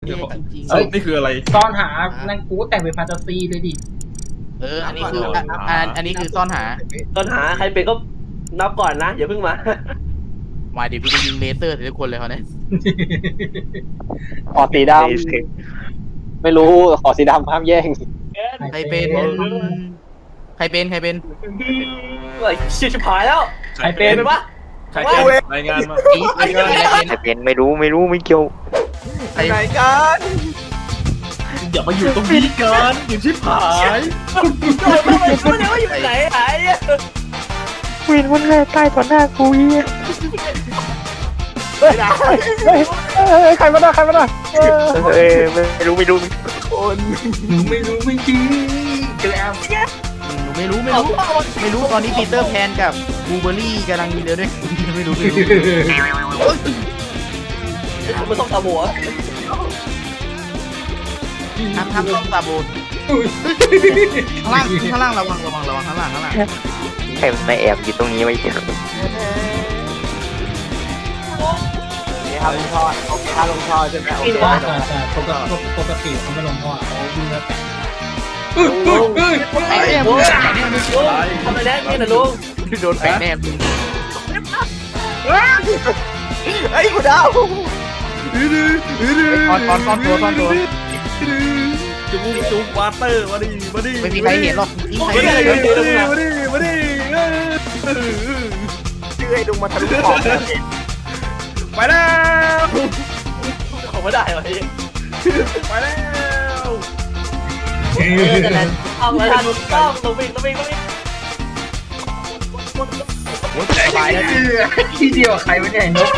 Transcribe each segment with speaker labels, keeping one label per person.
Speaker 1: จริง
Speaker 2: สรุปนี่คืออะไร
Speaker 3: ซ่อนหานั่นกูแต่งเป็นแฟนตาซีเลยดิ
Speaker 1: อันนี้คืออันนี้คือซ่อนหา
Speaker 4: ต้นหาใครเป็นก็นับก่อนนะอย่าเพิ่งมา
Speaker 1: มาเดี๋ยวพี่จะยิงเลเซอร์ทุกคนเลยเขาเนี่ย
Speaker 5: ขอสีดำไม่รู้ขอสีดำห้ามแย่ง
Speaker 1: ใครเป็นใครเป็น
Speaker 4: เฮ้ยชิบหายแล้ว
Speaker 3: ใครเป็น
Speaker 4: วะ
Speaker 2: ใครเป็นรายงานมา
Speaker 1: ใครเป็น
Speaker 6: ใครเป็นไม่รู้ไม่เกี่ยว
Speaker 1: ใคร
Speaker 5: ไหนกัน
Speaker 2: อย่ามาอยู่ตรงนี้กันอยู่ชิบหาย
Speaker 4: ไม่รู้อยู่ไหนหาย
Speaker 6: วินมันแค่ใต้ต่อหน้ากูอี
Speaker 5: เฮ้ยใครมาได้ไม่รู้
Speaker 3: ไม่รู้ไม่จริงเจอแอม
Speaker 1: ไม่รู้ตอนนี้ปีเตอร์แพนกับบูเบอรี่กำลังเดียวด้วยไม่รู้
Speaker 4: มันต้องทำหัว
Speaker 1: ทำต้องตาโบนข้างล่างระวังข้างล่าง
Speaker 6: ใครมาแอบอยู่ตรงนี้ไม่เกี่ยว
Speaker 5: นี่ครับลงท่อถ้าลงท่อใช่ไหมโอเค
Speaker 3: ปกติเขาไม่ลงพ่อเขาวิ่งแล้วแต่
Speaker 1: ไอ้เนี่ย
Speaker 4: ลุงทำอะไรแน่นี่นะลุง
Speaker 1: โดนแปะแนบมึง
Speaker 5: ไอ้กูดาว
Speaker 1: ตอนตัว
Speaker 2: จุ๊บวาเตอร์มาดิมาดิ
Speaker 1: ไม่มีใครเห็นหรอกยิงใคร
Speaker 2: มาดิ
Speaker 1: เห็น
Speaker 2: มาดิ
Speaker 5: ชื่อไอ้ดุงมาทะลุขอบ
Speaker 2: ไปแล้ว
Speaker 4: เขาไม่ได้วะพี่
Speaker 2: ไปแล้ว
Speaker 4: เอามาทันต้องวิ่ง
Speaker 1: สบายแล้ว
Speaker 3: ที่เดียวใครไม่ได้นก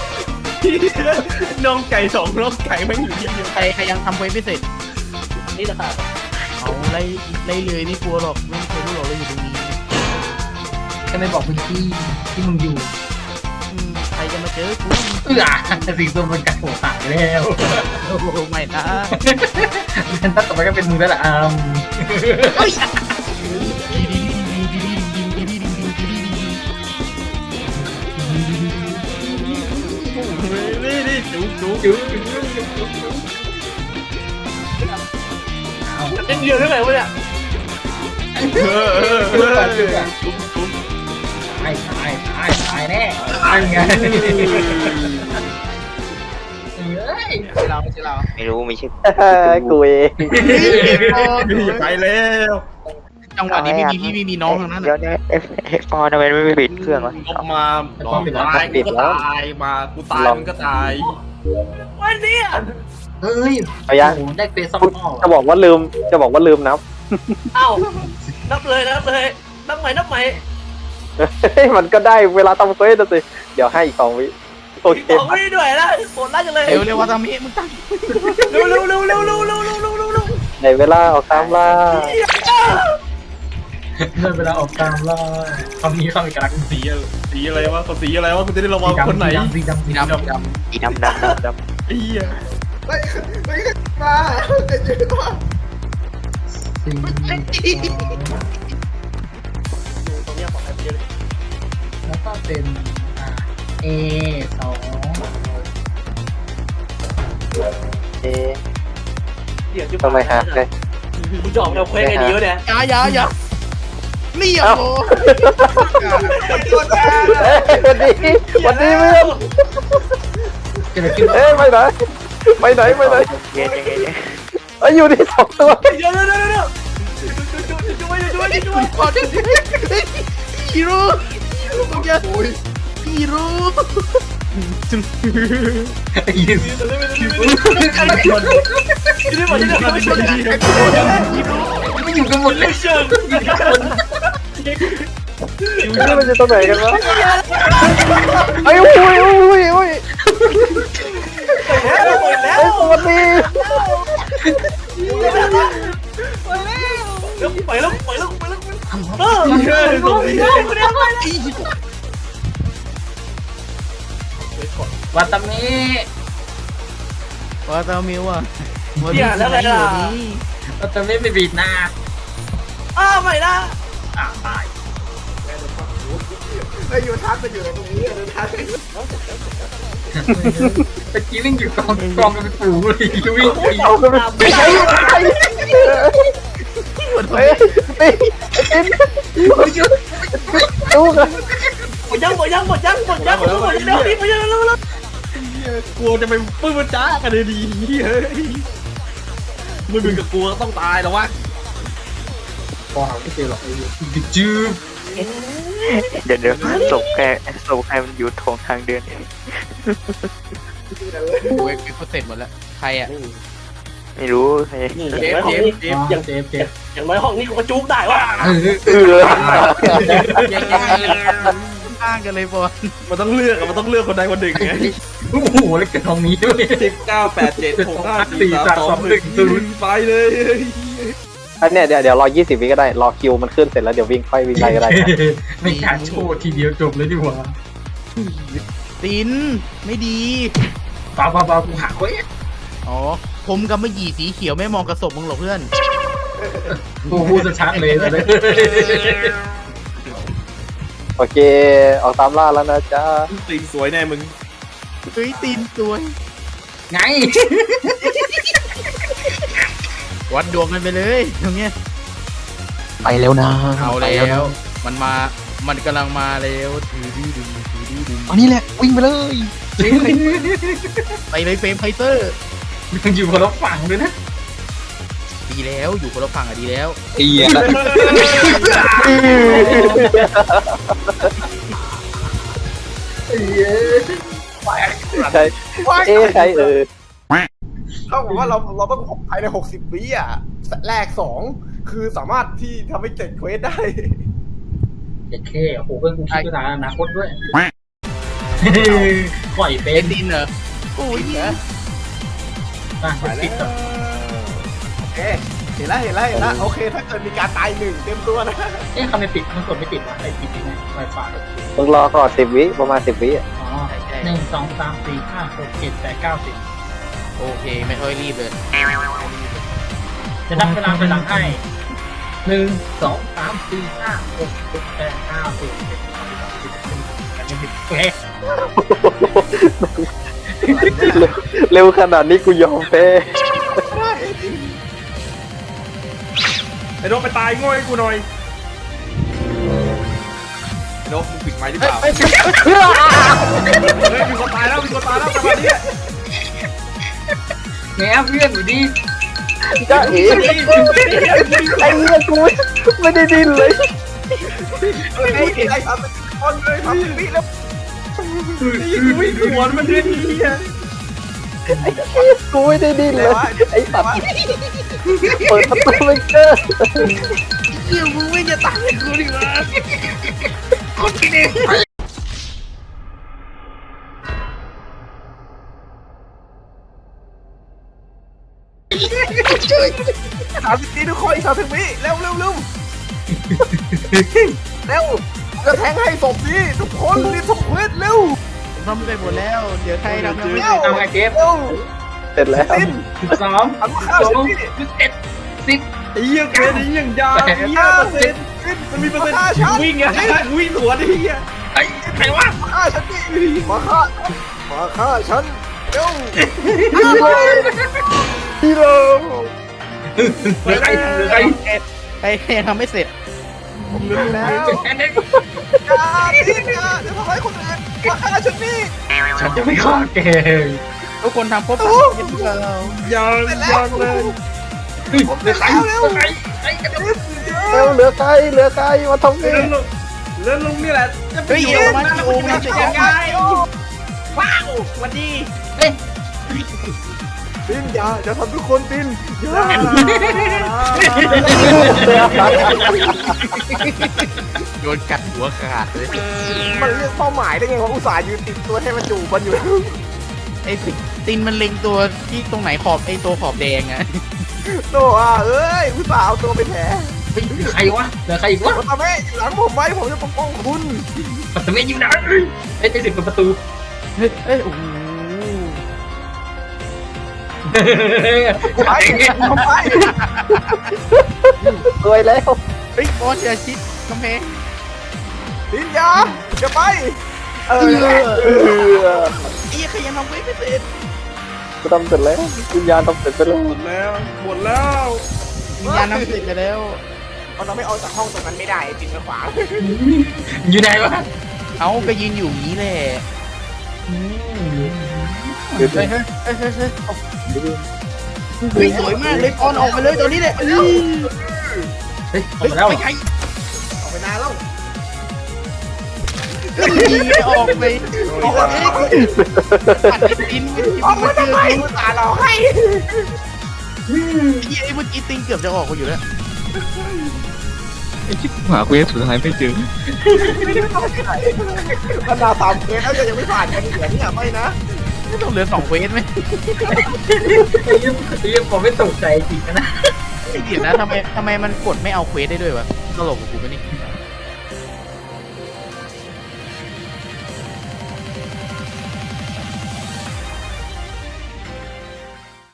Speaker 2: น้องไก่สองน้องไก่แม่งอยู่ที่เดียว
Speaker 1: ใครยังทำเควสไม่เสร็จ
Speaker 4: นี่นะครับ
Speaker 1: เอาไล่เลยไม่กลัวหรอกไม่เคยรู้หรอกเราอยู่ตรงนี้
Speaker 3: แค่ไม่บอกพื้นที่ที่มึงอยู่
Speaker 1: ใครจะมาเจอกู
Speaker 3: สิ่งตัวมันกัดหัวขาดแล้ว
Speaker 1: โอ้โหไม่นะ
Speaker 3: งั้นต่อไปก็เป็นมึงแล้วล่ะอาม
Speaker 2: นี่จุ๊บ
Speaker 3: จุ๊บ
Speaker 4: เล่นเดียวได้ไหมวะเนี่ย
Speaker 3: ตายแน่ตายไงเฮ้ย
Speaker 1: เราไม่ใช่เรา
Speaker 6: ไม่รู้ไม่ใช่
Speaker 5: กูเอง
Speaker 2: ไปแล้ว
Speaker 1: จังหวะนี้ไม่มีพี่ไม่มีน้องทั้งนั้น
Speaker 6: เดี๋ยวเนี่ยเอฟทำไมไม่ปิดเครื่องวะ
Speaker 2: ลบมาตายกูก็ตายมากูตายมันก็ตาย
Speaker 4: วันนี้
Speaker 3: เฮ้ย
Speaker 5: เอายัง
Speaker 3: ได้เฟซซ่อมพ่อ
Speaker 5: จะบอกว่าลืมนับ
Speaker 4: เอ้านับเลยนับใหม่
Speaker 5: มันก็ได้เวลาทำเฟสสิเดี๋ยวให้อีก2 วิโอเค
Speaker 4: ของไม่ด้วยนะโหดร้ายจังเลย
Speaker 1: เร็วว่าทำนี้มึงตั้ง
Speaker 4: เร็ว
Speaker 5: ในเวลาออกตามล่า
Speaker 3: เมื่อเวลาออกตามล่าคำนี้เข้าอีกครั้ง
Speaker 2: สีอะไรวะสีอะไรวะคุณจะได้ระวังคนไหน
Speaker 3: สีดำ
Speaker 1: มีน้ำ
Speaker 6: อีดำ
Speaker 2: ไอ้เหี้ย
Speaker 4: ตรงนี้ปลอดภัยเยอะเลย
Speaker 3: แล้วก็เป็นA 2
Speaker 5: ทำไมฮะเลย
Speaker 4: มึงจอกเราเควสไงดีวะเนี่ย
Speaker 1: อย่านี่อ่ะโอ้
Speaker 5: วันดีเพื่อน
Speaker 3: เกิดอะไรขึ้น
Speaker 5: ไปไหน
Speaker 6: เย็น
Speaker 5: อยู่ที่2 ตัว
Speaker 4: เดี๋ยวช่วย
Speaker 1: ฮีโร่มึงจะฮีโร่
Speaker 3: ยิน อยู่กันหมดเลย
Speaker 5: มันจะตรงไหนกันวะไอ้อุ้ยสวัสดี
Speaker 4: ไปแล้ว
Speaker 3: วัตามิ
Speaker 1: ว่าตามิวอ่ะ
Speaker 3: วัตามิไม่บีดหน้า
Speaker 4: ไม่ละ
Speaker 3: ตาย
Speaker 5: อยู่ทักไปอยู่ตรงนี้ทัก
Speaker 3: ตะกี้วิ่งอยู่กองกันเป็นฝูงเลยวิ่ง
Speaker 5: เอากันไปใช้ใช้เฮ้ยตินดูกัน
Speaker 4: หมดยังเร็วแล้ว
Speaker 2: กลัวจะไปปื้มมันจ้ากันเลยดีเฮ้ยมึงกับกลัวต้องตายแล้ววะ
Speaker 3: พอหาไม่เจอหรอกไอ้จืด
Speaker 6: เดี๋ยวศพแค่มันอยู่ทางเดิน
Speaker 1: กูเอ็กซ์เสร็จหมดแล้วใครอ่ะ
Speaker 6: ไม่รู้ใคร
Speaker 2: เจฟ
Speaker 3: เจ็บ
Speaker 4: อย่างน้อยห้องนี้กูก็จุกได้วะ
Speaker 1: ข้างกันเลยบอล
Speaker 2: มันต้องเลือกอะมันต้องเลือกคนใดคนหนึ่งไง
Speaker 3: โอ้โหแล้วเกิดตรงนี้ด้วย
Speaker 2: 1987654321ไปเลย
Speaker 5: อันเนี้ยเดี๋ยวรอ20 วิก็ได้รอคิวมันขึ้นเสร็จแล้วเดี๋ยววิ่งค่อยวิ่งไล่ก็ได้
Speaker 3: ไม่การโชว์ทีเดียวจบเลยดีกว่า
Speaker 1: ตินไม่ดี
Speaker 3: เปล่ากูหาไว้
Speaker 1: อ๋อผมกับมะหยี่สีเขียวไม่มองกระสบมึงหรอกเพื่อน
Speaker 3: กูพูดชัดเลยเลย
Speaker 5: โอเคออกตามล่าแล้วนะจ๊ะ
Speaker 2: ติงสวยแน่มึง
Speaker 1: เฮ้ยตินสวย
Speaker 3: ไง
Speaker 1: วัดดวงกันไปเลยตรงเนี้ย
Speaker 6: ไปแล้วนะ
Speaker 1: เอาแล้วมันกำลังมาแล้วถือดื้อดึง
Speaker 6: อันนี้แหละวิ่งไปเลย
Speaker 1: ไปเลยเฟรมไฟเตอร์
Speaker 3: มันอยู่คนละฝั่งด้วยนะ
Speaker 1: ดีแล้วอยู่คนละฝั่งอะดีแล้ว
Speaker 6: เอีย
Speaker 5: ใช่ใช่
Speaker 7: เท่ากับว่าเราต้องภายใน60 วิอ่ะแรก2คือสามารถที่ทำให้เสร็จเควสได้
Speaker 3: เด็กแค่โอ้โหเพื่อนกูคิดด้วยนะอนาคตด้วยปล่อยเป็
Speaker 1: เอ็
Speaker 3: น
Speaker 1: นดินเหรอโอ้ยเหรอ
Speaker 3: ติดกับ
Speaker 7: โอเคเห็นแล้วโอเค ถ้าเกิดมีการตาย1เต็มตัวนะ
Speaker 3: เอ๊ะคำในติดมันกดไม่ติดวะไอ้ติดยังไงไวไฟ
Speaker 5: มึงรอก่อน10 วิประมาณ10 วิ
Speaker 3: อ๋อ1 2 3 4 5 6 7 8 9 10
Speaker 1: โอเคไม่ค่อยรีบเลย
Speaker 3: จะนับเวลาไปหลังให้1 2 3 4 5 6 7 8 9 10 11 12 13 14 15 16 17 18 19 20
Speaker 5: เร็วขนาดนี้กูยอมแพ้
Speaker 2: ไอ้โดไปตายง่อยกูหน่อยไอ้โดมึงปิดไมค์หรือเปล่าเฮ้ยมีคนตายแล้วจังหวะนี้
Speaker 3: แง่เพื่อนอยู่ดี
Speaker 5: จ้าเอ๋ไอ้เนี่ยกูไม่ได้ดิ้นเลย
Speaker 7: ไอ้ทำเป็นคนเลยทำเป็นวิแล้ว
Speaker 2: วิ่งสวนมันด้วยนี่
Speaker 5: กูไม่ได้ดิ้นเลยไอ้สัตว์เปิดประตูไม่เจอ
Speaker 1: เกี่ยวมึงไม่จะตายกูดิวะ
Speaker 7: 30 วิทุกคนอีก30 วิเร็วจะแทงให้ศพดิทุกคนรีบทำเควสเร็ว
Speaker 1: ทำไปหมดแล้วเดี๋ยวใครทำยังไม่
Speaker 3: ทำไงเจฟ
Speaker 7: เร็ว
Speaker 5: เสร็จแล้ว
Speaker 3: 12
Speaker 7: ทำข้าวฉันดิ
Speaker 3: 11
Speaker 2: ไอ้เหี้ยเกรดไอ้เหี้ยยาวไอ้เหี้ยเปอร์เซ็นต์มันมีเปอร์เซ็นต์วิ่งอะวิ่งสวนไอ้เหี้ย
Speaker 3: ไอ้ใครวะ
Speaker 7: ฆ่าฉันดิมาฆ่าฉันเร็ว
Speaker 5: ฮีโร่
Speaker 3: เหลือใคร
Speaker 1: ใครทำไม่เสร็จ
Speaker 7: แล้ว
Speaker 3: แค่นี้
Speaker 7: อย่าจะทำให้คนอื่นมาฆ่าฉันนี่
Speaker 3: ฉันจะไม่ฆ่าแก
Speaker 1: ทุกคนทำครบยังเปล่า
Speaker 2: ยังเลย
Speaker 3: เหลือใครไอ้กระดิ่ง
Speaker 5: เร็วเหลือใครมาทำนี่
Speaker 2: เรื่องลุงนี่แหละจะไป
Speaker 1: เฮ้ย
Speaker 2: อยู่
Speaker 1: เอว
Speaker 2: มั
Speaker 1: มาน ที่โอมันจะยังไง
Speaker 2: ว้าววันดี
Speaker 7: ตินอย่าทำทุกคนตินอย่า
Speaker 1: โดนกัดหัวขาดเลย
Speaker 7: มันเลือกเป้าหมายได้ไงว่าอุตส่าห์ยืนติดตัวให้มันจูบมันอยู่
Speaker 1: ไอ้ตินมันเล็งตัวที่ตรงไหนขอบไอ้ตัวขอบแดงอะ
Speaker 7: โตเอ้ยอุตส่าห์เอาตัวไปแผล
Speaker 3: ใครวะเหลือใครอีกวะ
Speaker 7: โอตาเมะอยู่หลังผมไว้ผมจะปกป้องคุณ
Speaker 3: ปัตตาเมอยู่ไหนไอ้ติดประตู
Speaker 1: เฮ้ยโอ้โห
Speaker 7: ไปทำไม
Speaker 5: รวยแล้ว
Speaker 1: เฮ้ยบอสอย่าชิดกำแพง
Speaker 7: ตินอย่าไปเออ
Speaker 1: ไอ้ใครยังทำไม่เสร็จ
Speaker 5: กูทำเสร็จแล้ววิญญาณทำเสร็จไปแล้ว
Speaker 2: หมดแล้วหมดแล้ว
Speaker 1: วิญญาณทำเสร็จไปแล้ว
Speaker 7: เราไม่เอาจากห้องตรงนั้นไม่ได้จริงนะขวาง
Speaker 3: อยู่ไหนวะ
Speaker 1: เอาก็ยืนอยู่อย่างนี้แหละ
Speaker 5: เดี๋ยว
Speaker 1: เฮ้ยเฮ้ยเฮ้ยเฮ้ยเฮ้ยเฮ้ยสวยมากเลยก่อนออกไปเลยตัวนี้แหละ
Speaker 3: เฮ้ยออกมาแล้ว
Speaker 1: ไปไกล
Speaker 7: ออกไปนานแล้ว
Speaker 1: ยิงออกไปออกไปปัดไอ้ตินไม่เจอกู
Speaker 7: ตาเราให้
Speaker 1: ไอ้เมื่อกี้ติงเกือบจะออกมาอยู่แล้ว
Speaker 6: ไอ้ชิบหาเควสสุดท้ายไม่เจอ
Speaker 7: ขนาด3เควสแล้วยังไม่ผ่านกันอีกเหรอเนี่ยไม่นะ
Speaker 1: ไม่ต้องเหลือ2เควสไหม
Speaker 3: ยังผมไม่ตกใจจริงนะ
Speaker 1: เดี๋ยวนะทำไมมันกดไม่เอาเควสได้ด้วยวะตลกกับกูปะนี่